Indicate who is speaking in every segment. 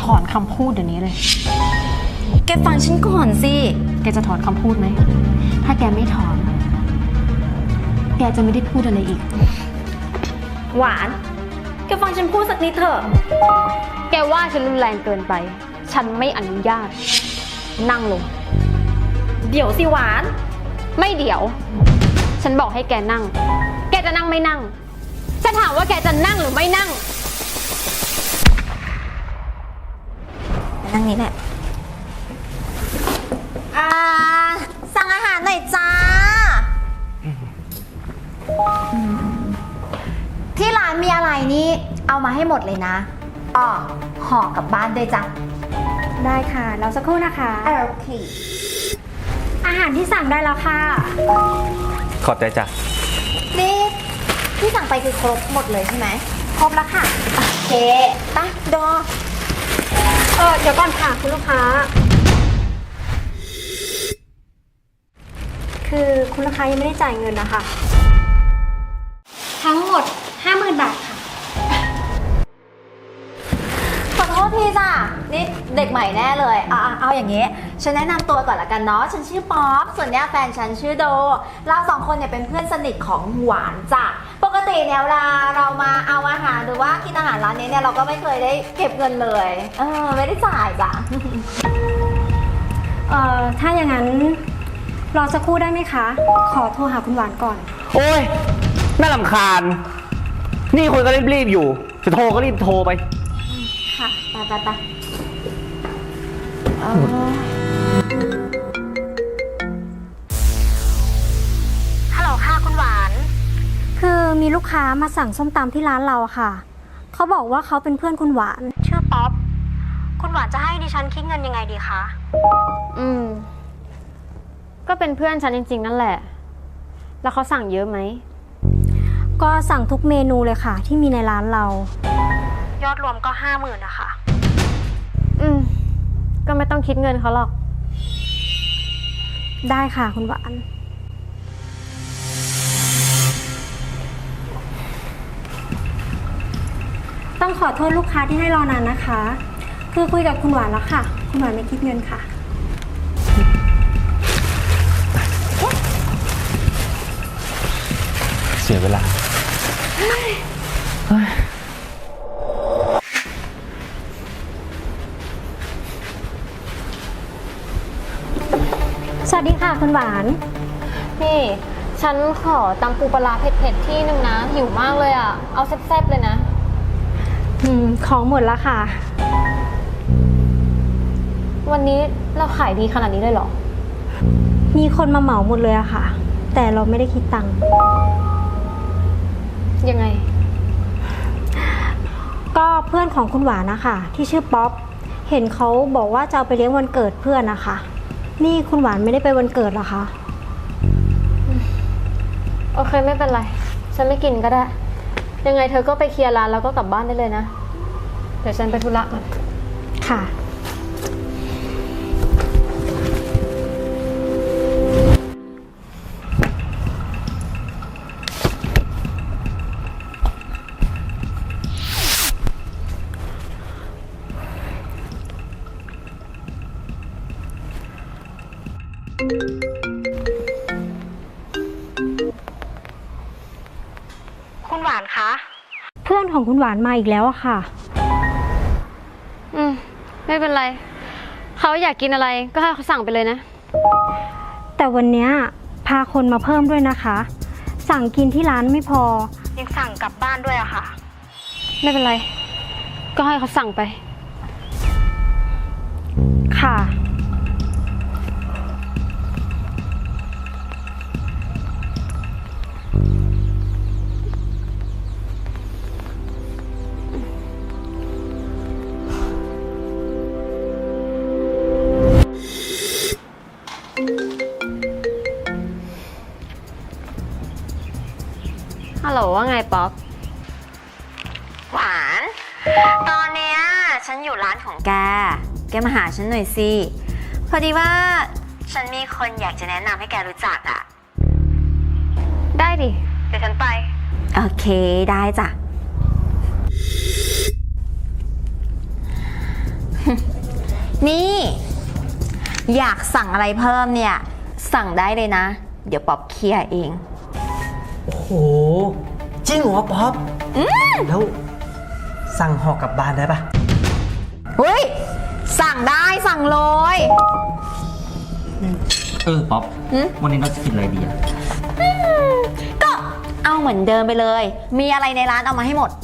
Speaker 1: อนคำพูดเดี๋ยวนี้เลย
Speaker 2: แกฟังฉันก่อนสิ
Speaker 1: แกจะถอนคำพูดไหม ถ้าแกไม่ถอน แกจะไม่ได้พูดอะไรอีก
Speaker 2: หวาน แกฟังฉันพูดสักนิดเถอะ
Speaker 1: แกว่าฉันรุนแรงเกินไป ฉันไม่อนุญาต นั่งลง
Speaker 2: เดี๋ยวสิหวาน
Speaker 1: ไม่เดี๋ยว ฉันบอกให้แกนั่ง แกจะนั่งไม่นั่ง ฉันถามว่าแกจะนั่งหรือไม่นั่ง
Speaker 2: นั่งนี้แหละสั่งอาหารหน่อยจ้า ที่ร้านมีอะไรนี่เอามาให้หมดเลยนะห่อกลับบ้านด้วยจ้ะ
Speaker 3: ได้ค่ะแล้วสักครู่นะคะ
Speaker 2: โอเค
Speaker 3: อาหารที่สั่งได้แล้วค่ะ
Speaker 4: ขอบใจจ้ะ
Speaker 2: นี่ที่สั่งไปคือครบหมดเลยใช่ไหม
Speaker 3: ครบแล้วค่ะ
Speaker 2: โอเคไปดอ
Speaker 3: เดี๋ยวก่อนค่ะคุณลูกค้า คือคุณลูกค้ายังไม่ได้จ่ายเงินนะคะ ทั้งหมด 50,000 บาทค่ะ
Speaker 2: ขอโทษทีจ้ะนี่เด็กใหม่แน่เลยเอาอย่างงี้ ฉันแนะนำตัวก่อนละกันเนาะ ฉันชื่อป๊อป ส่วนเนี้ยแฟนฉันชื่อโด เราสองคนเนี่ยเป็นเพื่อนสนิทของหวานจ้ะ ปกติเนี่ยเวลาเรามาเอาอาหารหรือว่ากินอาหารร้านนี้เนี่ยเราก็ไม่เคยได้เก็บเงินเลย ไม่ได้จ่ายจ้ะ
Speaker 3: ถ้าอย่างนั้นรอสักครู่ได้ไหมคะ ขอโทรหาคุณหวานก่อน
Speaker 4: โอ้ย น่ารำคาญ นี่คนก็รีบๆอยู่ จะโทรก็รีบโทรไป
Speaker 2: ค่ะไป
Speaker 3: ฮัลโหลค่ะคุณหวาน คือมีลูกค้ามาสั่งส้มตำที่ร้านเราอะค่ะ เขาบอกว่าเขาเป็นเพื่อนคุณหวาน ชื่อป๊อป คุณหวานจะให้ดิฉันคิดเงินยังไงดีคะ
Speaker 1: ก็เป็นเพื่อนฉันจริงๆนั่นแหละ แล้วเขาสั่งเยอะไหม
Speaker 3: ก็สั่งทุกเมนูเลยค่ะ ที่มีในร้านเรา ยอดรวมก็ 50,000นะคะ
Speaker 1: ก็ไม่ต้องคิดเงินเขาหรอก
Speaker 3: ได้ค่ะคุณหวาน ต้องขอโทษลูกค้าที่ให้รอนานนะคะ คือคุยกับคุณหวานแล้วค่ะ คุณหวานไม่คิดเงินค่ะ
Speaker 4: เสียเวลา
Speaker 3: สวัสดีค่ะคุณหวาน
Speaker 1: นี่ ฉันขอตำปูปลาร้าเผ็ดๆที่นึงนะ หิวมากเลยอ่ะ เอาแซ่บๆเลยนะ
Speaker 3: ของหมดแล้วค่ะ
Speaker 1: วันนี้เราขายดีขนาดนี้เลยเหรอ
Speaker 3: มีคนมาเหมาหมดเลยอะค่ะ แต่เราไม่ได้คิดตังค์
Speaker 1: ยังไง
Speaker 3: ก็เพื่อนของคุณหวานนะคะที่ชื่อป๊อป เห็นเขาบอกว่าจะเอาไปเลี้ยงวันเกิดเพื่อนนะคะ นี่คุณหวานไม่ได้ไปวันเกิดเหรอคะ
Speaker 1: โอเคไม่เป็นไร ฉันไม่กินก็ได้ ยังไงเธอก็ไปเคลียร์ร้านแล้วก็กลับบ้านได้เลยนะ เดี๋ยวฉันไปธุระก่อน
Speaker 3: ค่ะ คุณหวานคะ เพื่อนของคุณหวานมาอีกแล้วอะค่ะ
Speaker 1: ไม่เป็นไร เขาอยากกินอะไรก็ให้เขาสั่งไปเลยนะ
Speaker 3: แต่วันเนี้ยพาคนมาเพิ่มด้วยนะคะ สั่งกินที่ร้านไม่พอ ยังสั่งกลับบ้านด้วยอะค่ะ
Speaker 1: ไม่เป็นไร ก็ให้เขาสั่งไป
Speaker 3: ค่ะ
Speaker 1: ฮัลโหลว่าไงป๊อป
Speaker 2: หวาน ตอนเนี้ยฉันอยู่ร้านของแกมาหาฉันหน่อยสิ พอดีว่าฉันมีคนอยากจะแนะนำให้แกรู้จักอะ
Speaker 1: ได้ดิ เดี๋ยวฉันไป
Speaker 2: โอเคได้จ้ะนี่ อยากสั่งอะไรเพิ่มเนี่ย สั่งได้เลยนะ เดี๋ยวป๊อปเคลียร์เอง
Speaker 5: โอ้โห จริงเหรอป๊อปแล้วสั่งห่อกลับบ้านได้ปะ
Speaker 2: เฮ้ย สั่งได้สั่งเลย
Speaker 4: ป๊อป วันนี้เราจะกินอะไรดีอะ
Speaker 2: ก็เอาเหมือนเดิมไปเลย มีอะไรในร้านเอามาให้หมด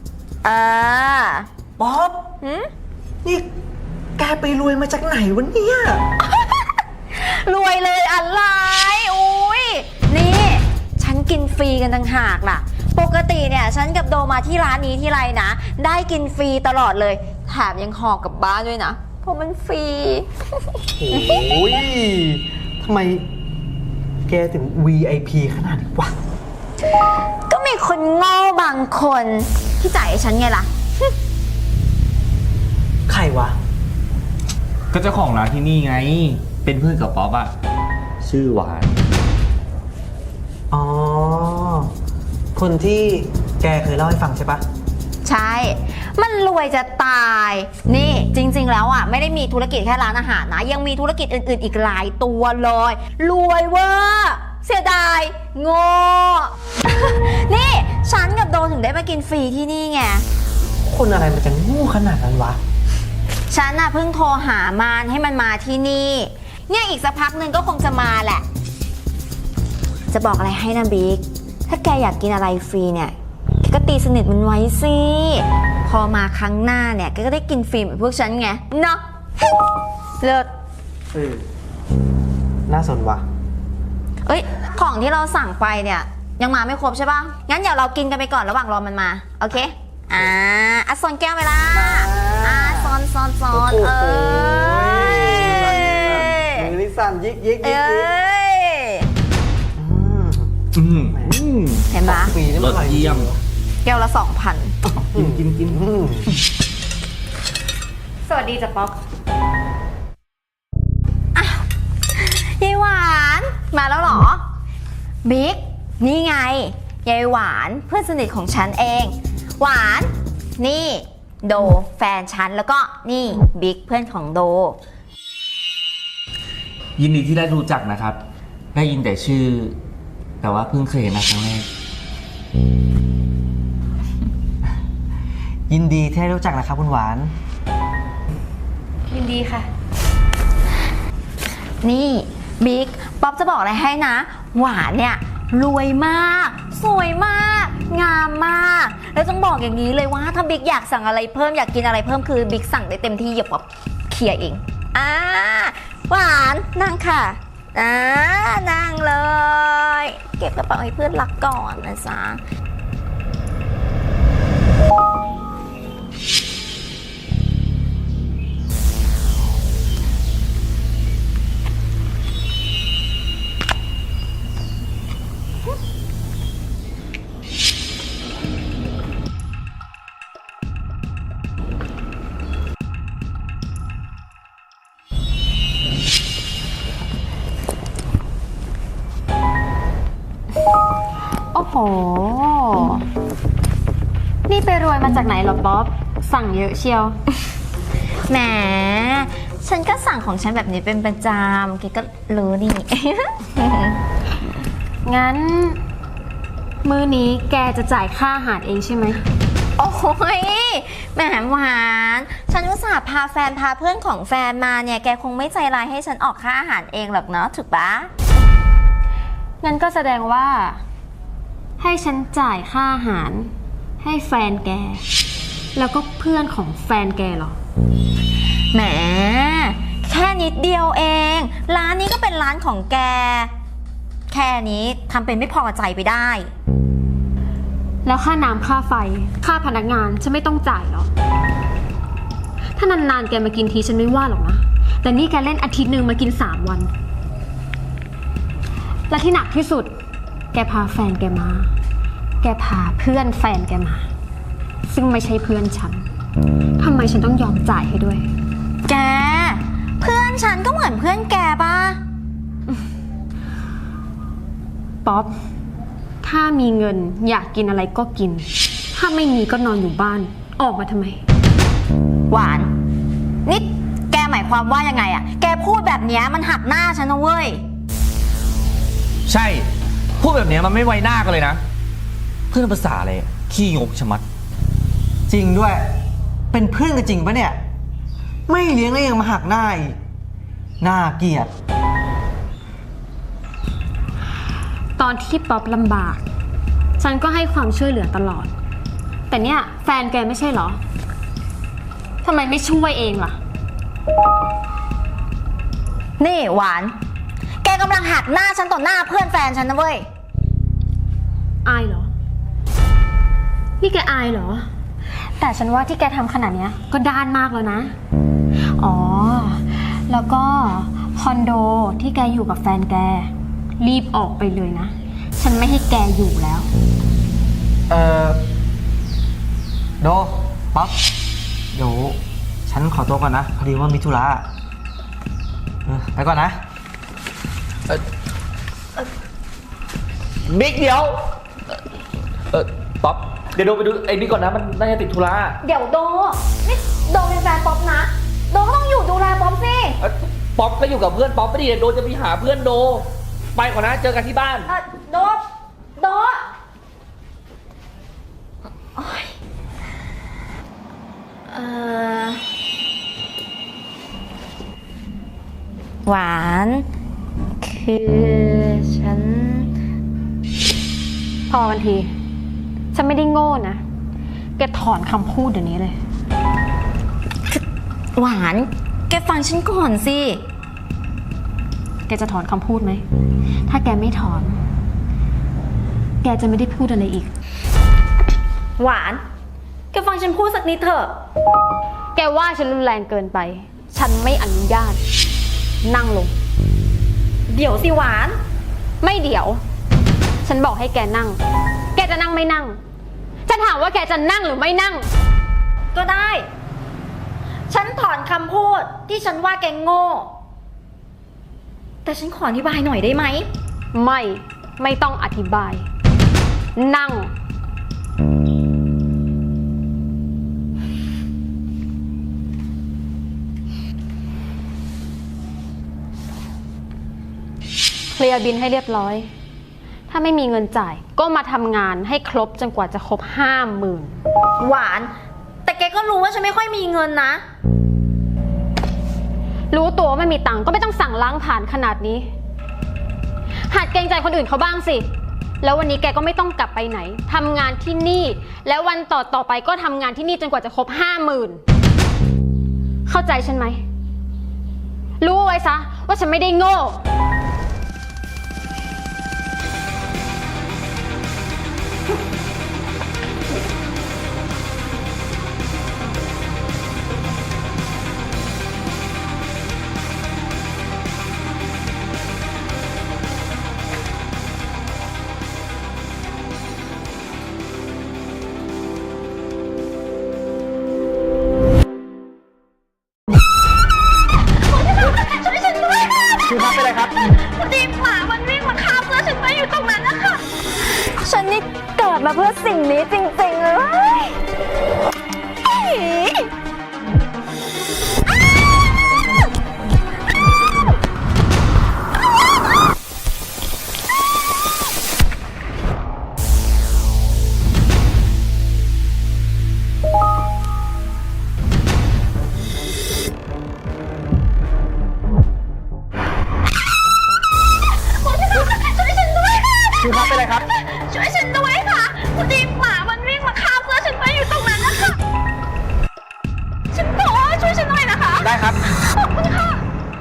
Speaker 5: ป๊อปนี่แกไปรวยมาจากไหนวะเนี่ย
Speaker 2: รวยเลยอะไร อุ้ยนี่ ฉันกินฟรีกันต่างหากล่ะ ปกติเนี่ยฉันกับโดมาที่ร้านนี้ที่ไรนะ ได้กินฟรีตลอดเลย แถมยังห่อกลับบ้านด้วยนะ เพราะมันฟรี
Speaker 5: โอ้ยทำไมแกถึง VIP ขนาดนี้วะ
Speaker 2: ก็มีคนโง่บางคนที่จ่ายให้ฉันไงล่ะ
Speaker 5: ใครวะ
Speaker 4: ก็เจ้าของร้านที่นี่ไง เป็นเพื่อนกับป๊อปอะชื่อหวาน
Speaker 5: อ๋อ คนที่แกเคยเล่าให้ฟังใช่ปะ
Speaker 2: ใช่ มันรวยจะตาย นี่จริงๆแล้วอ่ะไม่ได้มีธุรกิจแค่ร้านอาหารนะ ยังมีธุรกิจอื่นๆอีกหลายตัวเลย รวยเวอร์เสียดายโง่ นี่ฉันกับโดถึงได้มากินฟรีที่นี่ไง
Speaker 5: คนอะไรมันจะโง่ขนาดนั้นวะ
Speaker 2: ฉันน่ะเพิ่งโทรหามานให้มันมาที่นี่ เนี่ยอีกสักพักหนึ่งก็คงจะมาแหละ จะบอกอะไรให้นะบิ๊ก ถ้าแกอยากกินอะไรฟรีเนี่ยแกก็ตีสนิทมันไว้สิ พอมาครั้งหน้าเนี่ยแกก็ได้กินฟรีเหมือนพวกฉันไง เนาะ เลิศ
Speaker 5: น่าสนวะ
Speaker 2: เอ้ย ของที่เราสั่งไปเนี่ยยังมาไม่ครบใช่ป่ะ งั้นเดี๋ยวเรากินกันไปก่อนระหว่างรอมันมา โอเค อ่ะซอนแก้วไปละซอน
Speaker 5: โอ้โห
Speaker 2: ย
Speaker 5: มือนี่สั่นยิกยิกยิก
Speaker 2: เอ้
Speaker 5: ยิก
Speaker 2: ย เห็นปะ
Speaker 5: ปีนี่
Speaker 4: ร
Speaker 5: มัน
Speaker 4: ส
Speaker 5: อร่อย
Speaker 4: เยี่ยม
Speaker 2: แก้วละ 2,000
Speaker 4: กิน
Speaker 1: สวัสดีจ้ะป๊อป
Speaker 2: ยายหวานมาแล้วเหรอ บิ๊ก นี่ไง ยายหวานเพื่อนสนิทของฉันเอง หวาน นี่โดแฟนฉันแล้วก็นี่บิ๊กเพื่อนของโด
Speaker 4: ยินดีที่ได้รู้จักนะครับ ได้ยินแต่ชื่อ แต่ว่าเพิ่งเคยเห็นนะครั้งแรก
Speaker 5: ยินดีที่ได้รู้จักนะครับคุณหวาน
Speaker 1: ยินดีค่ะ
Speaker 2: นี่บิ๊กป๊อปจะบอกอะไรให้นะ หวานเนี่ยรวยมาก สวยมาก งามมาก แล้วต้องบอกอย่างนี้เลยว่าถ้าบิ๊กอยากสั่งอะไรเพิ่มอยากกินอะไรเพิ่มคือบิ๊กสั่งได้เต็มที่อย่าป๊อปเคลียร์เองหวานนั่งค่ะนั่งเลย เก็บกระเป๋าให้เพื่อนรักก่อนนะจ๊ะ
Speaker 1: โอ้โห นี่ไปรวยมาจากไหนเหรอป๊อป สั่งเยอะเชียว
Speaker 2: แหม ฉันก็สั่งของฉันแบบนี้เป็นประจำแกก็รู้นี่
Speaker 1: งั้น มื้อนี้แกจะจ่ายค่าอาหารเองใช่ไหม
Speaker 2: โอ้ยแหมหวาน ฉันอุตส่าห์พาแฟนพาเพื่อนของแฟนมาเนี่ย แกคงไม่ใจร้ายให้ฉันออกค่าอาหารเองหรอกเนาะถูกปะ
Speaker 1: งั้นก็แสดงว่า ให้ฉันจ่ายค่าอาหาร ให้แฟนแก แล้วก็เพื่อนของแฟนแกเหรอ
Speaker 2: แหม แค่นิดเดียวเอง ร้านนี้ก็เป็นร้านของแก แค่นี้ทำเป็นไม่พอใจไปได้
Speaker 1: แล้วค่าน้ำค่าไฟ ค่าพนักงานฉันไม่ต้องจ่ายหรอ ถ้านานๆแกมากินทีฉันไม่ว่าหรอกนะ แต่นี่แกเล่นอาทิตย์หนึ่งมากิน3 วัน และที่หนักที่สุด แกพาแฟนแกมา แกพาเพื่อนแฟนแกมา ซึ่งไม่ใช่เพื่อนฉัน ทำไมฉันต้องยอมจ่ายให้ด้วย
Speaker 2: แก เพื่อนฉันก็เหมือนเพื่อนแกป่ะ
Speaker 1: ป๊อป ถ้ามีเงินอยากกินอะไรก็กิน ถ้าไม่มีก็นอนอยู่บ้าน ออกมาทำไม
Speaker 2: หวาน นี่ความว่ายังไงอะแกพูดแบบเนี้ยมันหักหน้าฉันนะเว้ย
Speaker 4: ใช่ พูดแบบเนี้ยมันไม่ไว้หน้ากันเลยนะ เพื่อนภาษาอะไรอะขี้งกชะมัด
Speaker 5: จริงด้วย เป็นเพื่อนกันจริงปะเนี่ย ไม่เลี้ยงแล้วยังมาหักหน้าอีกน่าเกลียด
Speaker 1: ตอนที่ป๊อปลำบาก ฉันก็ให้ความช่วยเหลือตลอด แต่เนี่ยแฟนแกไม่ใช่เหรอทำไมไม่ช่วยเองล่ะ
Speaker 2: นี่หวาน แกกำลังหักหน้าฉันต่อหน้าเพื่อนแฟนฉันนะเว้ย
Speaker 1: อายเหรอ นี่แกอายเหรอ แต่ฉันว่าที่แกทำขนาดเนี้ยก็ด้านมากแล้วนะ อ๋อ แล้วก็คอนโดที่แกอยู่กับแฟนแก รีบออกไปเลยนะ ฉันไม่ให้แกอยู่แล้ว
Speaker 5: โดป๊อปเดี๋ยวฉันขอตัวก่อนนะ พอดีว่ามีธุระไปก่อนนะ
Speaker 4: บิ๊กเดี๋ยวป๊อป เดี๋ยวโดไปดูไอ้บิ๊กก่อนนะ มันน่าจะติดธุระ
Speaker 2: เดี๋ยวโด นี่โดเป็นแฟนป๊อปนะ โดก็ต้องอยู่ดูแลป๊อปสิ
Speaker 4: ป๊อปก็อยู่กับเพื่อนป๊อปไม่ดีโดจะไปหาเพื่อนโด ไปก่อนนะ เจอกันที่บ้าน
Speaker 2: โด โดโอ๊ยหวาน คือฉัน
Speaker 1: พอกันที ฉันไม่ได้โง่นะ แกถอนคำพูดเดี๋ยวนี้เลย
Speaker 2: หวาน แกฟังฉันก่อนสิ
Speaker 1: แกจะถอนคำพูดไหม ถ้าแกไม่ถอน แกจะไม่ได้พูดอะไรอีก
Speaker 2: หวาน แกฟังฉันพูดสักนิดเถอะ
Speaker 1: แกว่าฉันรุนแรงเกินไป ฉันไม่อนุญาต นั่งลง
Speaker 2: เดี๋ยวสิหวาน
Speaker 1: ไม่เดี๋ยว ฉันบอกให้แกนั่ง แกจะนั่งไม่นั่ง ฉันถามว่าแกจะนั่งหรือไม่นั่ง
Speaker 2: ก็ได้ ฉันถอนคำพูดที่ฉันว่าแกโง่ แต่ฉันขออธิบายหน่อยได้ไหม
Speaker 1: ไม่ต้องอธิบาย นั่ง เคลียร์บินให้เรียบร้อย ถ้าไม่มีเงินจ่าย ก็มาทำงานให้ครบจนกว่าจะครบ 50,000
Speaker 2: หวาน แต่แกก็รู้ว่าฉันไม่ค่อยมีเงินนะ
Speaker 1: รู้ตัวว่าไม่มีตังค์ก็ไม่ต้องสั่งล้างผ่านขนาดนี้ หัดเกรงใจคนอื่นเขาบ้างสิ แล้ววันนี้แกก็ไม่ต้องกลับไปไหน ทำงานที่นี่ แล้ววันต่อไปก็ทำงานที่นี่จนกว่าจะครบ 50,000 เข้าใจฉันไหม รู้ไว้ซะว่าฉันไม่ได้โง่
Speaker 4: คือครับเป็นไรครับ
Speaker 2: ดีหมามันวิ่งมาฆ่าเพื่อนฉันไปอยู่ตรงนั้นนะคะ ฉันนี่เกิดมาเพื่อสิ่งนี้จริงๆเลย
Speaker 4: คือครับเป็นไรครับ
Speaker 2: ช่วยฉันด้วยค่ะพอดีหมามันวิ่งมาฆ่าเพื่อนฉันไปอยู่ตรงนั้นนะคะ ฉันขอช่วยฉันหน่อยนะคะ
Speaker 4: ได้ครับ
Speaker 2: ขอบคุณค่ะ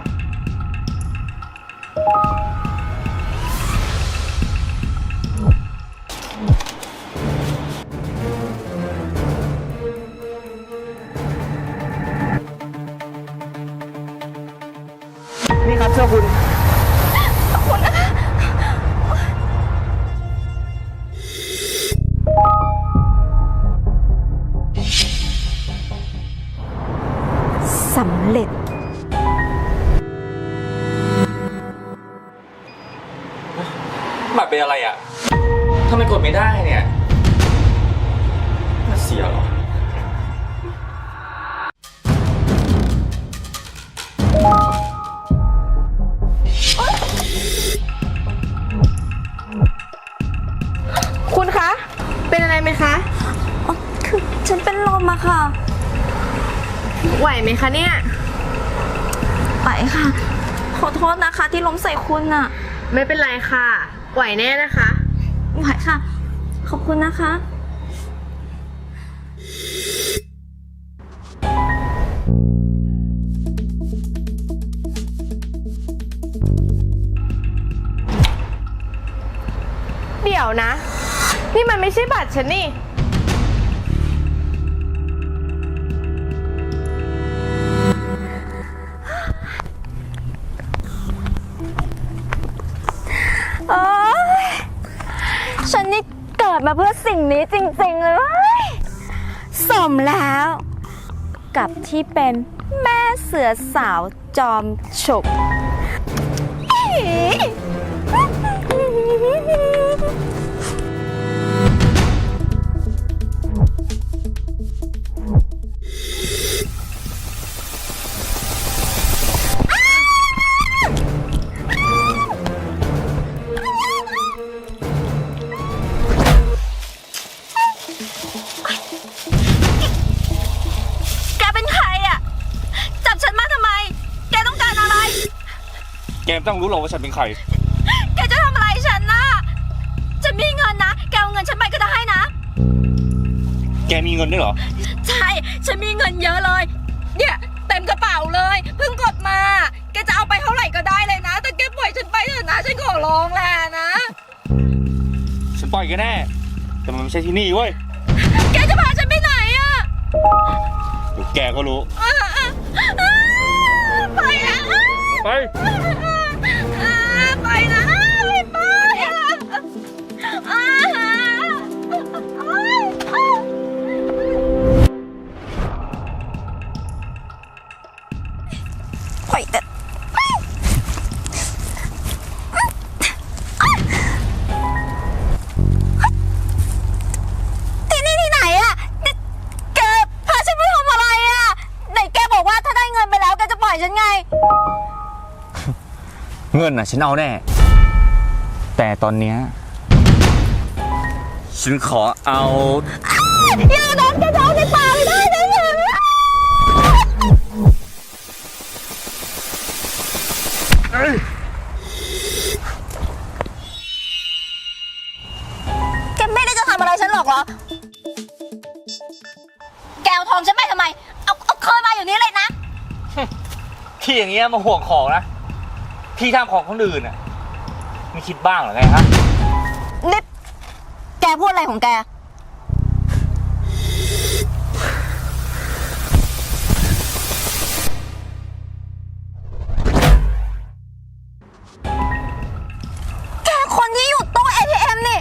Speaker 4: นี่ครับเชื่อคุณ
Speaker 2: สำเร็จ
Speaker 4: บัตรเป็นอะไรอ่ะทำไมกดไม่ได้เนี่ยเสียเหรอ
Speaker 1: ไหมคะเนี่ย
Speaker 2: ไปค่ะ ขอโทษนะคะที่ล้มใส่คุณอะ
Speaker 1: ไม่เป็นไรค่ะ ไหวแน่นะคะ
Speaker 2: ไหวค่ะ ขอบคุณนะคะ
Speaker 1: เดี๋ยวนะ นี่มันไม่ใช่บัตรฉันนี่
Speaker 2: โอ๊ยฉันนี่เกิดมาเพื่อสิ่งนี้จริงๆเลย สมแล้ว กับที่เป็นแม่เสือสาวจอมฉกแกเป็นใครอ่ะ จับฉันมาทำไม แกต้องการอะไร
Speaker 4: แกไม่ต้องรู้หรอกว่าฉันเป็นใคร
Speaker 2: แกจะทำอะไรฉันน่ะฉันมีเงินนะ แกเอาเงินฉันไปก็ได้นะ
Speaker 4: แกมีเงินด้วยเหรอ
Speaker 2: ใช่ ฉันมีเงินเยอะเลย เนี่ยเต็มกระเป๋าเลย เพิ่งกดมา แกจะเอาไปเท่าไหร่ก็ได้เลยนะ แต่แกปล่อยฉันไปเถอะนะ ฉันขอร้องแหละนะ
Speaker 4: ฉันปล่อยแกแน่ แต่มันไม่ใช่ที่นี่เว้ย
Speaker 2: แกจะพาฉันไปไหนอะ
Speaker 4: เดี๋ยวแกก็รู้
Speaker 2: ไปนะ
Speaker 4: ไป
Speaker 2: ไปนะไม่ไปปล่อยแต่ที่นี่ที่ไหนอะแกพาฉันไปทำอะไรอะไหนแกบอกว่าถ้าได้เงินไปแล้วแกจะปล่อยฉันไง
Speaker 4: เงินน่ะฉันเอาแน่ แต่ตอนเนี้ยฉันขอเอา
Speaker 2: อย่าโดนกระโดดในป่าไม่ได้นะเนี่ยแกไม่ได้จะทำอะไรฉันหรอกเหรอ แกเอาทองฉันไปทำไม เอาคืนมาอยู่นี้เลยนะ
Speaker 4: ที่อย่างเงี้ยมาห่วงของนะ ที่ทำของคนอื่นน่ะไม่คิดบ้างเหรอไงฮะ
Speaker 2: นี่ แกพูดอะไรของแก แกคนที่อยู่ตู้ ATM นี่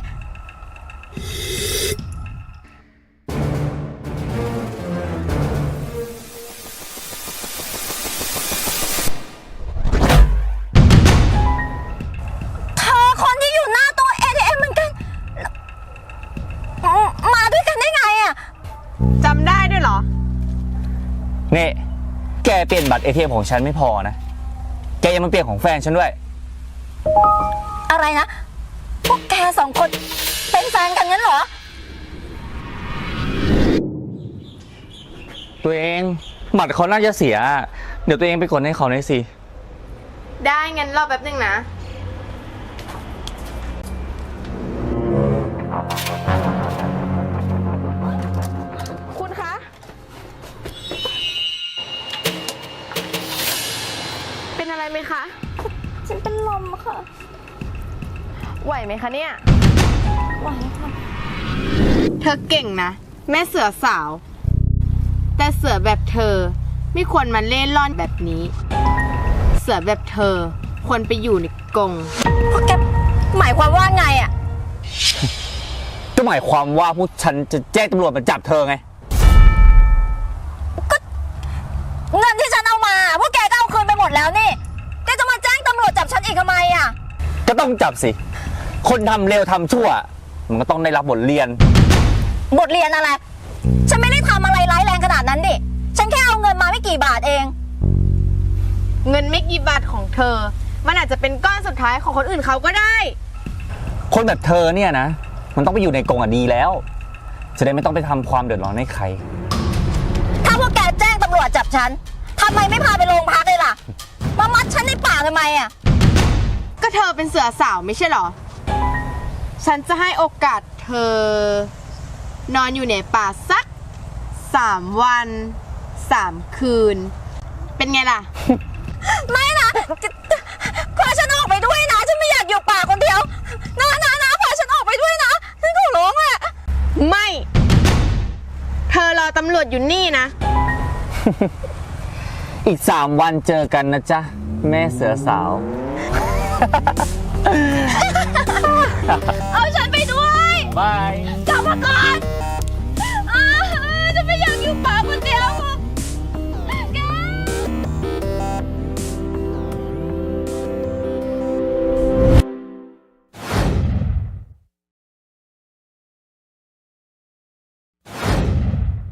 Speaker 2: เธอคนที่อยู่หน้าตู้ ATM เหมือนกัน มาด้วยกันได้ไงอะ
Speaker 1: จำได้ด้วยเหรอ
Speaker 4: นี่ แกเปลี่ยนบัตร ATM ของฉันไม่พอนะ แกยังมาเปลี่ยนของแฟนฉันด้วย
Speaker 2: อะไรนะ พวกแกสองคนเป็นแฟนกันงั้นเหรอ
Speaker 4: ตัวเองบัตรเขาน่าจะเสีย เดี๋ยวตัวเองไปกดให้เขาหน่อยสิ
Speaker 1: ได้งั้นรอแป๊บนึงนะ คุณคะ เป็นอะไรไหมคะ
Speaker 2: ฉันเป็นลมค่ะ
Speaker 1: ไหวไหมคะเนี่ย
Speaker 2: ไหวค่ะ
Speaker 1: เธอเก่งนะ แม่เสือสาว แต่เสือแบบเธอไม่ควรมาเล่ร่อนแบบนี้ เสือแบบเธอควรไปอยู่ในกรง
Speaker 2: พวกแกหมายความว่าไงอะ
Speaker 4: ก็หมายความว่าพวกฉันจะแจ้งตำรวจมาจับเธอไง
Speaker 2: เงินที่ฉันเอามาพวกแกก็เอาคืนไปหมดแล้วนี่ แกจะมาแจ้งตำรวจจับฉันอีกทำไมอะ
Speaker 4: ก็ต้องจับสิ คนทำเร็วทำชั่ว มันก็ต้องได้รับบทเรียน
Speaker 2: บทเรียนอะไร ฉันไม่ได้ทำอะไรร้ายแรงขนาดนั้นดิ ฉันแค่เอาเงินมาไม่กี่บาทเอง
Speaker 1: เงินไม่กี่บาทของเธอ มันอาจจะเป็นก้อนสุดท้ายของคนอื่นเขาก็ได้
Speaker 4: คนแบบเธอเนี่ยนะ มันต้องไปอยู่ในกรงดีแล้ว จะได้ไม่ต้องไปทำความเดือดร้อนให้ใคร
Speaker 2: ถ้าพวกแกแจ้งตำรวจจับฉันทำไมไม่พาไปโรงพักเลยล่ะ มามัดฉันในป่าทำไมอะ
Speaker 6: ก็เธอเป็นเสือสาวไม่ใช่เหรอ ฉันจะให้โอกาสเธอ นอนอยู่ในป่าสัก3 วัน 3 คืน เป็นไงล่ะ
Speaker 2: ไม่นะพาฉันออกไปด้วยนะ ฉันไม่อยากอยู่ป่าคนเดียวนะพาฉันออกไปด้วยนะฉันขอร้องอะ
Speaker 6: ไม่ เธอรอตำรวจอยู่นี่นะ
Speaker 4: อีก 3 วันเจอกันนะจ๊ะ แม่เสือสาว
Speaker 2: เอาฉันไปด้วย
Speaker 4: บาย
Speaker 2: กลับมาก่อน